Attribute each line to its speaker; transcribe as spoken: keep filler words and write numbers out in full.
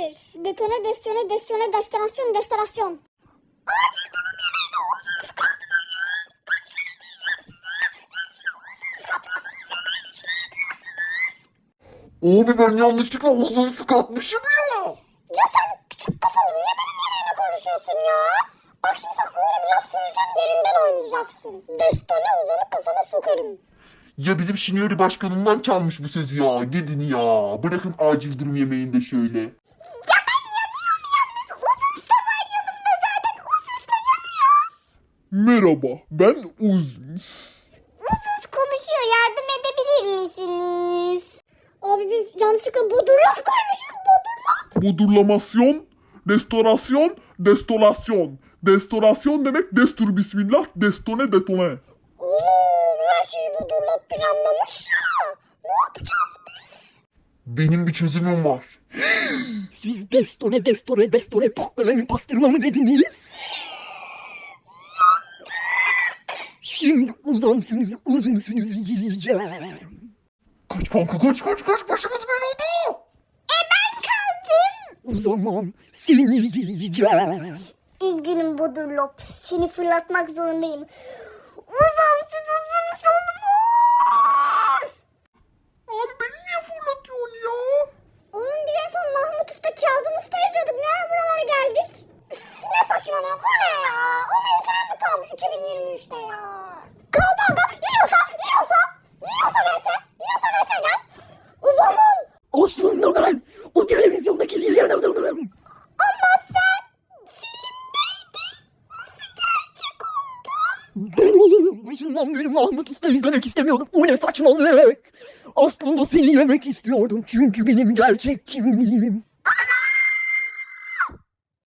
Speaker 1: bir. Detone, destone, destone, destinasyon, destinasyon. Acil durum yemeğine huzursuz kalkma ya. Kaç kere diyeceğim size. Yaşlı huzursuz kalkmasınız yemeğin içine yatıyorsunuz.
Speaker 2: Abi ben yanlışlıkla huzursuz kalkmışım ya.
Speaker 1: Ya sen küçük kafalı niye benim yemeğime konuşuyorsun ya? Bak şimdi sana öyle bir laf söyleyeceğim yerinden oynayacaksın. Destone uzanıp kafana sokarım.
Speaker 2: Ya bizim Şinori başkanından çalmış bu sözü ya. Gidin ya. Bırakın acil durum yemeğinde şöyle.
Speaker 1: Ya ben yanıyorum yalnız. Huzursuz da var yanımda zaten. Huzursuz da yanıyor.
Speaker 2: Merhaba, ben Uzun.
Speaker 1: Huzursuz konuşuyor. Yardım edebilir misiniz? Abi biz yanlışlıkla bodurlap koymuşuz. Bodurlap.
Speaker 2: Bodurlamasyon, restorasyon, destolasyon. Destorasyon demek destur bismillah, destone detone.
Speaker 1: Oğlum her şeyi bodurlap planlamış ya. Ne yapacağız biz?
Speaker 2: Benim bir çözümüm var.
Speaker 3: Siz destone destone destone pokkalemi pastırma mı dediniz? Şimdi uzansınız uzunsunuz gireceğim.
Speaker 2: Kaç kanka kaç kaç kaç başımız belada.
Speaker 1: E ben kaldım.
Speaker 3: O zaman seni gireceğim.
Speaker 1: Üzgünüm bodurlap. Seni fırlatmak zorundayım. Uzansın uzun olmaz.
Speaker 2: Abi beni niye fırlatıyorsun ya?
Speaker 1: Oğlum biz en son Mahmut Usta, Kazım Usta yazıyorduk. Ne ara buralara geldik? Üf, ne saçmalıyorsun? O ne ya? O mevzular mı kaldı iki bin yirmi üçte ya? Kaldı aga. Yiyorsa, yiyorsa. Yiyorsa verse. Yiyorsa verse gel. O zaman.
Speaker 3: Aslında ben o televizyondaki Lilian adamım.
Speaker 1: Ama sen filmdeydin. Nasıl gerçek oldun?
Speaker 3: Ben oğlum başından beri Mahmut Usta izlemek istemiyordum. O ne saçmalık. Aslında seni yemek istiyordum çünkü benim gerçek kimliğim